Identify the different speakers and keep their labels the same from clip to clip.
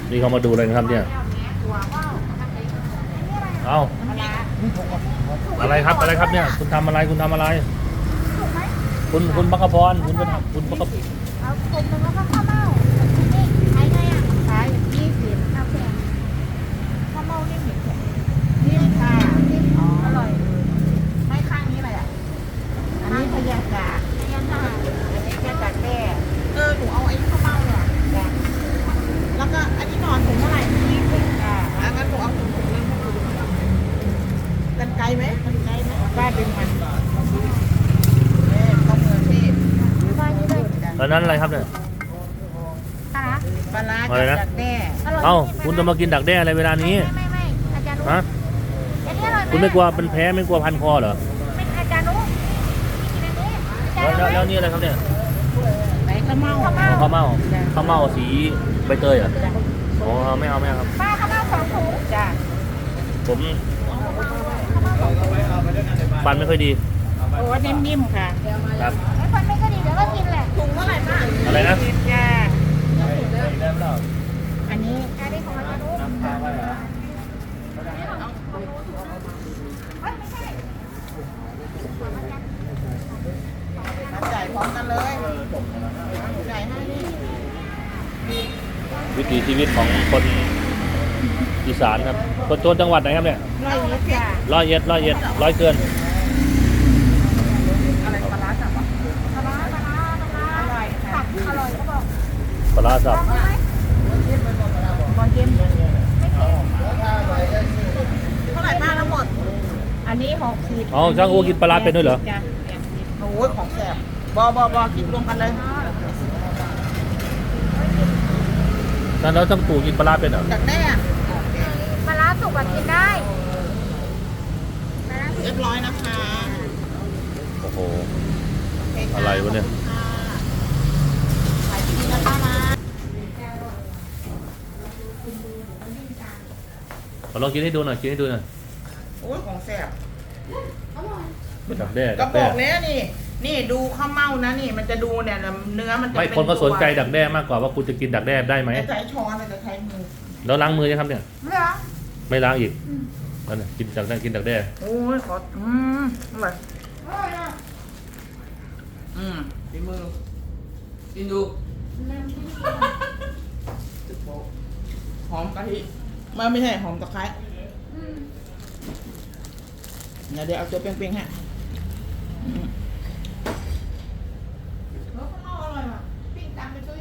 Speaker 1: นี่เขามาดูอะไรนะครับเนี่ยเอาอะไรครับอะไรครับเนี่ยคุณทำอะไรคุณทำอะไรคุณบัคคพรคุณเป็นคุณบัคค
Speaker 2: เอากลมหนึ่งแล้วก็ข้าวเม่านี่ขายไงอ่ะขาย20ข้าวแกงข้าวเม่านี่เหม็นแข็งนี่ค่ะนี่อร่อยไม่ข้างนี้เลยอ่ะอันนี้พยากาศอันนี้แค่จากแด้หนูเอาไอ้ข้าวเม่าเนี่ยแล้วก็อันนี้นอนถุงเท่าไหร่20งั้นหนูเอาถุงนึงกันไกลไหมกันไกลไหมป้าดึงมันต้องมือเทพป้านี่เลย
Speaker 1: ตอนนั้นอะไรครับเนี่ย
Speaker 2: ปลาร้า
Speaker 1: อะไรนะ
Speaker 2: จากแด้อร่อย
Speaker 1: เอ้าคุณจะมากินดักแด้อะไรเวลานี้
Speaker 2: ไม่อาจารย์นุ๊ก
Speaker 1: ฮะ
Speaker 2: อันนี้อร่อยไหม
Speaker 1: คุณไม่กลัวเป็นแพ้ไม่กลัวพันคอเหรอ
Speaker 2: ไม่อาจารย์นุ๊กกินอันนี้อาจารย์
Speaker 1: แล้ว
Speaker 2: นุ๊ก
Speaker 1: นี่อะไรครับเนี่ย
Speaker 2: ไหนข้าวเม่า
Speaker 1: ข้าวเม่าข้าวเม่าสีใบเตยเหรออ๋อไม่เอาครับ
Speaker 2: ป้าข้าวเม่า2 ถุงจ้ะ
Speaker 1: ผมฟันไม่ค่อยดี
Speaker 2: โอ้นิ่มๆค่ะ
Speaker 1: ครับ
Speaker 2: ไอ้คนไม่ก็ดีเดี๋ยวก็กินแหละถุงเท่าไหร่ป้า
Speaker 1: อะไรนะ
Speaker 2: จ้ะอันนี้ของอาจารย์นุ๊กจ่ายพร้อมกันเลยจ่ายให้นี่
Speaker 1: วิถีชีวิตของคนอีสานครับคนจังหวัดไหนครับเนี่ย
Speaker 2: 120จ้ะ
Speaker 1: ร้อยเอ็ดร้อยเกิน
Speaker 2: อะไรปลาร้าสับอ่ะปลาร้าอร่อยค่ะอร่อยก็บอก
Speaker 1: ปลาร้าสับ
Speaker 2: ลองไหมบอลเกมไม่เค็มเท่าไหร่ป้าทั้งหมดอันนี้60
Speaker 1: อ๋อช่างอูกินปลาร้าเป็นด้วยเหรอ
Speaker 2: จ้ะโอ้ยของแสบบกินรวมกันเลย
Speaker 1: แล้วช่างตู่กินปลาร้าเป็นเหรอ
Speaker 2: จากแด้ปลาร้าสุกแบบกินได้เรียบร้อยนะคะ
Speaker 1: โอ้โหอะไรวะเนี่ย
Speaker 2: ขายดีนะป้านะ
Speaker 1: ลองกินให้ดูหน่อย
Speaker 2: โอ้ยของแสบ
Speaker 1: ดักแด้
Speaker 2: ก็บอกแล้วนี่ดูข้าวเม่านะนี่มันจะดูเนี่ยเนื้อมันจะ
Speaker 1: ไม่คนก็สนใจดักแด้มากกว่าว่าคุณจะกินดักแด้ได้ไหม
Speaker 2: จะใช้ช้อนจะใช้มือ
Speaker 1: แล้วล้างมือยังครับเนี่ย
Speaker 2: ไม่หรอ
Speaker 1: ไม่ล้างอีกนั่นน่ะกินดักแด้
Speaker 2: โอ้ยขออร่อยฝีมือกินดูหอมกะทิไม่ใช่หอมตะไคร้เดี๋ยวเอาตัวเปรี้ยงๆให้แล้วข้าวเม่าอร่อยว่ะปิ้งตามไปช่วย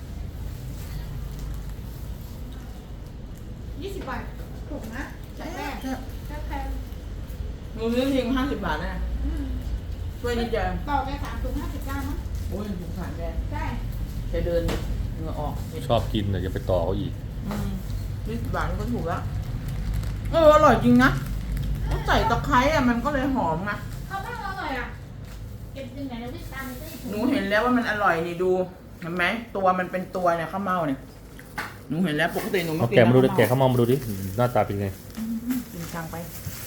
Speaker 2: 20 บาทถูกนะใช่แม่แพงหนูซื้อทิ้ง50 บาทนะช่วยนิดเดียวต่อไป3 ถุง 59 มั้งโอ้ยสงสารแกใช่จะเดินเหงื่อออก
Speaker 1: ชอบกินแต่จะไปต่อเขาอีก
Speaker 2: 20 บาทก็ถูกแล้วอร่อยจริงนะต้องใส่ตะไคร้มันก็เลยหอมนะข้าวเม่าอร่อยอ่ะเก็บยังไงแล้ววิ่งตามหนูเห็นแล้วว่ามันอร่อยนี่ดูเห็นไหมตัวมันเป็นตัวเนี่ยข้าวเม่าเนี่ยหนูเห็นแล้วปกติหนูไม่
Speaker 1: เอา
Speaker 2: กิน
Speaker 1: แกะมาดูดิแกะข้าวเม่ามาดูดิหน้าตาเป็นไง
Speaker 2: กินจังไป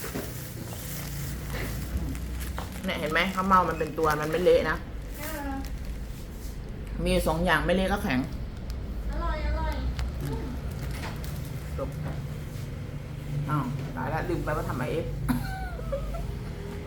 Speaker 2: เนี่ยเห็นไหมข้าวเม่ามันเป็นตัวมันไม่เละนะมี2 อย่างไม่เละก็แข็งอร่อยจบอ้าวตายแล้วลืมไปว่าทำไอเอฟ